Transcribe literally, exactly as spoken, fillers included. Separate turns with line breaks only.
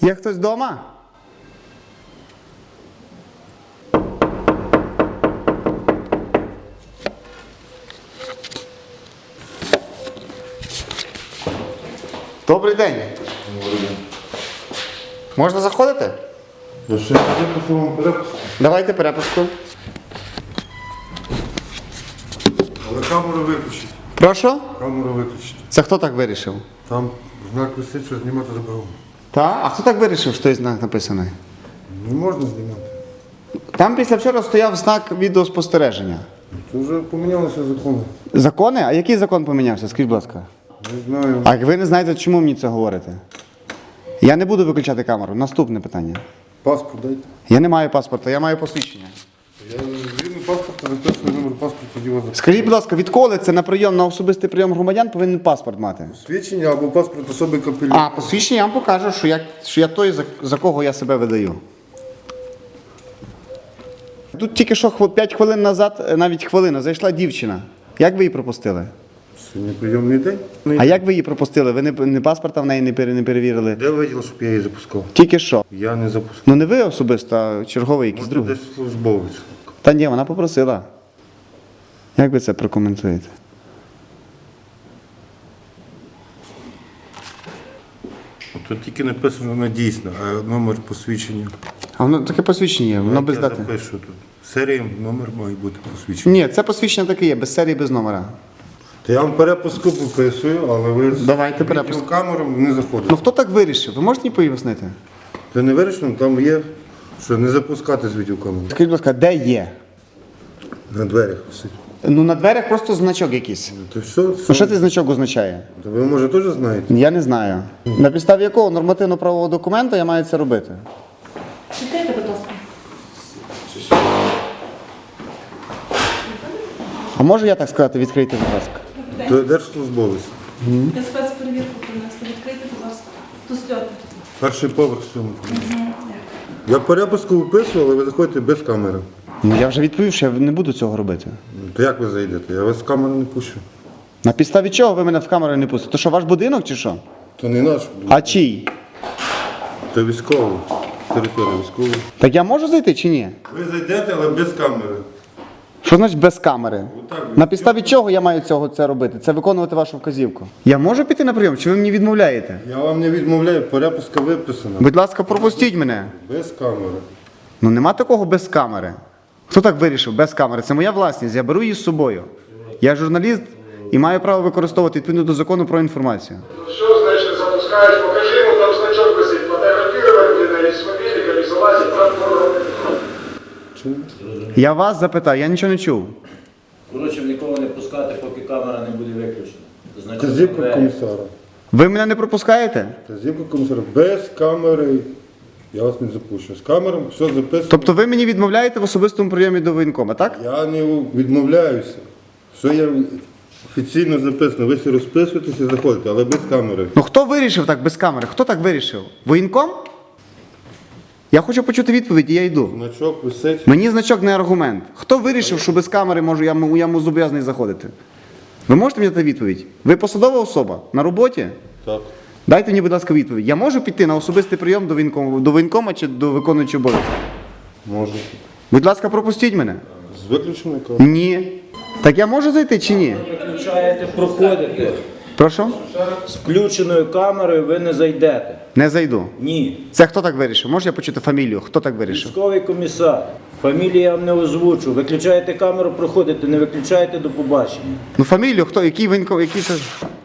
Є хтось вдома? Добрий день. Можна заходити?
Я ще виписав вам перепуск.
Давайте перепуску.
Але камеру виключіть.
Прошу?
Камеру виключіть.
Це хто так вирішив?
Там знак висить, що знімати заборонено.
Та? А хто так вирішив, що той знак написаний?
Не можна знімати.
Там після вчора стояв знак відеоспостереження.
Це вже помінялися закони.
Закони? А який закон помінявся? Скажіть, будь ласка.
Не знаю.
А ви не знаєте, чому мені це говорите? Я не буду виключати камеру. Наступне питання.
Паспорт дайте.
Я не маю паспорта, я маю посвідчення.
Я згідно паспорта записую номер паспорта, тоді вас записую.
Скажіть, будь ласка, відколи це на прийом, на особистий прийом громадян повинен паспорт мати?
Свідчення або паспорт особи капелюха.
А, посвідчення я вам покажу, що я, що я той, за, за кого я себе видаю. Тут тільки що п'ять хвилин назад, навіть хвилина, зайшла дівчина. Як ви її пропустили?
Сьогодні прийомний день.
А як ви її пропустили? Ви не, не паспорта в неї не, пере- не перевірили?
Де ви виділи, щоб я її запускав?
Тільки що.
Я не запускав.
Ну не ви особисто, а черговий якийсь
Може,
другий.
десь службовець.
Та ні, вона попросила. Як ви це прокоментуєте?
Тут тільки написано, вона дійсна, а номер посвідчення.
А воно таке посвідчення є, воно без
я
дати.
запишу тут. Серія, номер має бути посвідчення.
Ні, це посвідчення таке є, без серії, без номера.
Та я вам перепуску пописую, але ви з
Давайте перепуск.
камером не заходите.
Ну хто так вирішив? Ви можете мені пояснити?
Це не вирішено, там є, що не запускати з відеокамери.
Скажіть, будь ласка, де є?
На дверях висить.
Ну на дверях просто значок якийсь.
То все,
Ну
все.
що цей значок означає?
То ви, може, теж знаєте?
Я не знаю. На підставі якого нормативно-правового документа я маю це робити?
Відкрийте, будь ласка.
А можу я так сказати, відкрийте, будь ласка?
То держслужбовець.
Я спецперевірку принесла. Відкрийте, будь ласка. Тут сльоти.
Перший поверх сьомий. Я перепуску виписую, але ви заходите без камери.
Ну я вже відповів, що я не буду цього робити.
Ну, То як ви зайдете? Я вас з камери не пущу.
На підставі чого ви мене в камеру не пустите? То що, ваш будинок чи що?
То не наш,
А чий?
то військовий. Територія військова.
Так я можу зайти чи ні?
Ви зайдете, але без камери.
Що значить без камери?
Отак.
На підставі чого я маю цього це робити? Це виконувати вашу вказівку. Я можу піти на прийом, чи ви мені відмовляєте?
Я вам не відмовляю, перепуска виписана.
Будь ласка, пропустіть мене.
Без камери.
Ну нема такого без камери. Хто так вирішив? Без камери. Це моя власність, я беру її з собою. Я журналіст і маю право використовувати відповідно до закону про інформацію.
Все, значит, запускаешь, покажи ему, там значок висит, фотографировать где-то из мобильника, или залазить, там,
Я вас запитав, я нічого не чув.
Коротше, нікого не пускати, поки камера не буде виключена. Значить,
Казівка
двері.
комісара.
Ви мене не пропускаєте?
Казівка комісара. Без камери я вас не запущу. З камером все записано.
Тобто ви мені відмовляєте в особистому прийомі до воєнкома, так?
Я не відмовляюся. Все є офіційно записано. Ви всі розписуєтеся і заходите, але без камери.
Ну хто вирішив так без камери? Хто так вирішив? Воєнком? Я хочу почути відповіді, я йду.
Значок висить.
Мені значок не аргумент. Хто вирішив, що без камери можу, я, м- я м- зобов'язаний заходити? Ви можете мені дати відповідь? Ви посадова особа? На роботі?
Так.
Дайте мені, будь ласка, відповідь. Я можу піти на особистий прийом до воєнкома, до воєнкома чи до виконуючого обов'язки?
Можна.
Будь ласка, пропустіть мене.
З виключеною камерою.
Ні. Так я можу зайти чи ні?
Виключаєте, проходите.
Прошу?
З включеною камерою ви не зайдете.
Не зайду.
Ні.
Це хто так вирішив? Можу я почути фамілію? Хто так вирішив?
Військовий комісар. Фамілію я вам не озвучу. Виключаєте камеру, проходите, не виключаєте, до побачення.
Ну фамілію, хто, який воєнком, який це...